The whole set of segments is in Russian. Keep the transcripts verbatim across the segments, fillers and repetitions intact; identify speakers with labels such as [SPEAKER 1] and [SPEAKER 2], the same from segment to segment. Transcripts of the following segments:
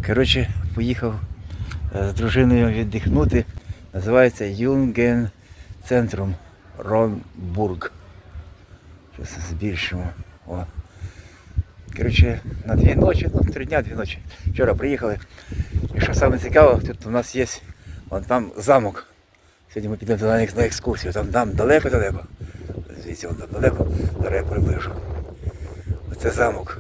[SPEAKER 1] Коротше, поїхав з дружиною віддихнути. Називається Юнген Центрум Ромбург. Зараз збільшимо. О. Коротше, на дві ночі, ну три дня, дві ночі. Вчора приїхали. І що саме цікаве, тут у нас є вон там замок. Сьогодні ми підемо туди на екскурсію. Там там далеко-далеко. Звідси вон там далеко, зараз я приближу. Оце замок.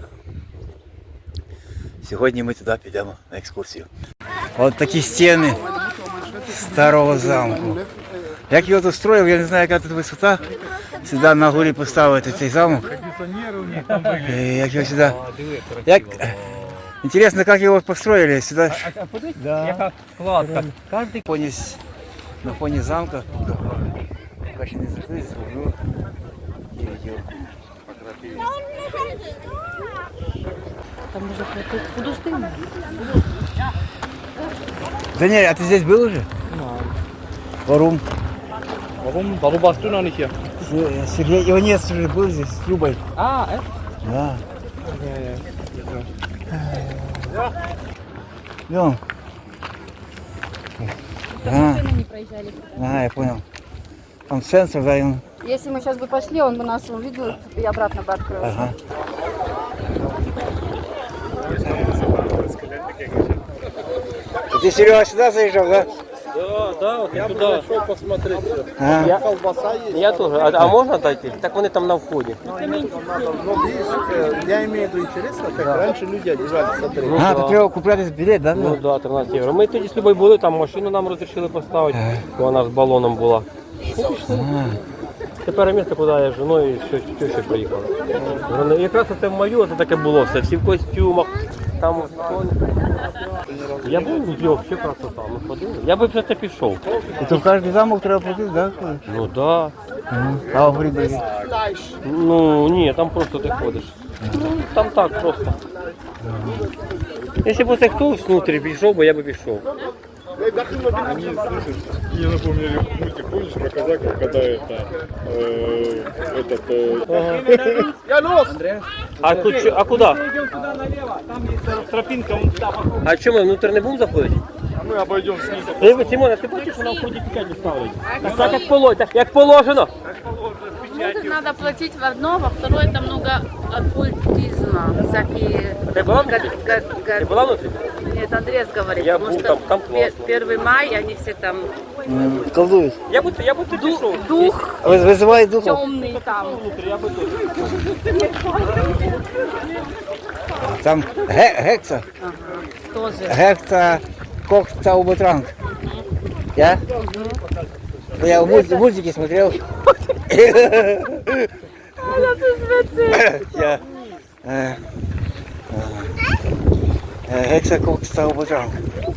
[SPEAKER 1] Сьогодні ми туди підемо на екскурсію. Ось такі стіни старого замку. Як його тут строїв, я не знаю, яка тут висота. Сюди на горі поставити цей замок. Як його сюди... Як... Интересно, как его построили сюда.
[SPEAKER 2] А, а подивись, да. Яка кладка. Кожний...
[SPEAKER 1] Поніс на фоні замка. Поки ще не зайшли, зроблю.
[SPEAKER 3] Там уже подустынно.
[SPEAKER 1] Даниэль, а ты здесь был уже?
[SPEAKER 2] Nein.
[SPEAKER 1] Warum?
[SPEAKER 2] Warum? Warum warst du noch nicht hier?
[SPEAKER 1] Сергей Иванец уже был здесь с Любой.
[SPEAKER 2] Ah, echt?
[SPEAKER 1] Да.
[SPEAKER 2] Ja, ja.
[SPEAKER 1] Идем.
[SPEAKER 3] Там
[SPEAKER 1] А.
[SPEAKER 3] машины не проезжали.
[SPEAKER 1] А, я понял. Там сенсор, да, и он...
[SPEAKER 3] Если мы сейчас бы пошли, он бы нас увидел и обратно бы открылся.
[SPEAKER 1] Ага. Ты, Серега, сюда заезжал, да?
[SPEAKER 2] Да, да, вот я туда. Зашел посмотреть.
[SPEAKER 1] А.
[SPEAKER 2] Я колбаса есть. Я тоже. А, а можно дойти? Так вони там на входе.
[SPEAKER 4] Я имею в виду интересно, как раньше люди одевались. Смотри.
[SPEAKER 2] Ну,
[SPEAKER 1] А,
[SPEAKER 2] да.
[SPEAKER 1] тут треба купляти білет, да?
[SPEAKER 2] Ну да, тринадцять євро. Ми тоді з тобою були, там машину нам розрішили поставити, бо вона з балоном була.
[SPEAKER 1] А.
[SPEAKER 2] Тепер місце, куди я з жіною і тещою приїхали. Вони- Якраз це в маю, це таке було все, всі в костюмах. Там я був в взагалі красота, ми ходили. Я би вже це пішов.
[SPEAKER 1] І то в кожний замок треба платити, да?
[SPEAKER 2] Ну так. Да.
[SPEAKER 1] А в грибі?
[SPEAKER 2] Ну ні, там просто ти ходиш. Ну, там так просто. Якщо б це хтось внутрі пішов, бо я би пішов.
[SPEAKER 5] Я напомню мультик, помнишь, про казаков, когда это, э, этот, э,
[SPEAKER 2] А, тут, чо- а куди? А що ми внутрі не будемо заходити?
[SPEAKER 5] мы обойдем снизу.
[SPEAKER 2] Диви, Тимон, а ти бачиш, що на вході печать ставить? Так, так як положено, так, як положено.
[SPEAKER 3] Ну, тут надо платить в одно, во второе это много оккультизма, всякие...
[SPEAKER 2] Ты была
[SPEAKER 3] га-
[SPEAKER 2] внутри?
[SPEAKER 3] га- га-
[SPEAKER 2] Ти була внутрі?
[SPEAKER 3] Нет, Андрес говорит,
[SPEAKER 2] Я
[SPEAKER 3] потому
[SPEAKER 2] был
[SPEAKER 3] что
[SPEAKER 2] там, там
[SPEAKER 3] пе-
[SPEAKER 2] классно.
[SPEAKER 3] первый май, они все там
[SPEAKER 1] Колдують.
[SPEAKER 2] Я би, я би тут пішов.
[SPEAKER 3] дух
[SPEAKER 1] Виз- Визивають духов.
[SPEAKER 3] темный там.
[SPEAKER 2] Внутрі, я би тут.
[SPEAKER 1] Там ге- гекса.
[SPEAKER 3] Тоже.
[SPEAKER 1] Гекса Кохтаубутранг. Я? Ну, я в мульт- мультике смотрел. Я. э, э, Гекса Кохтаубутранг.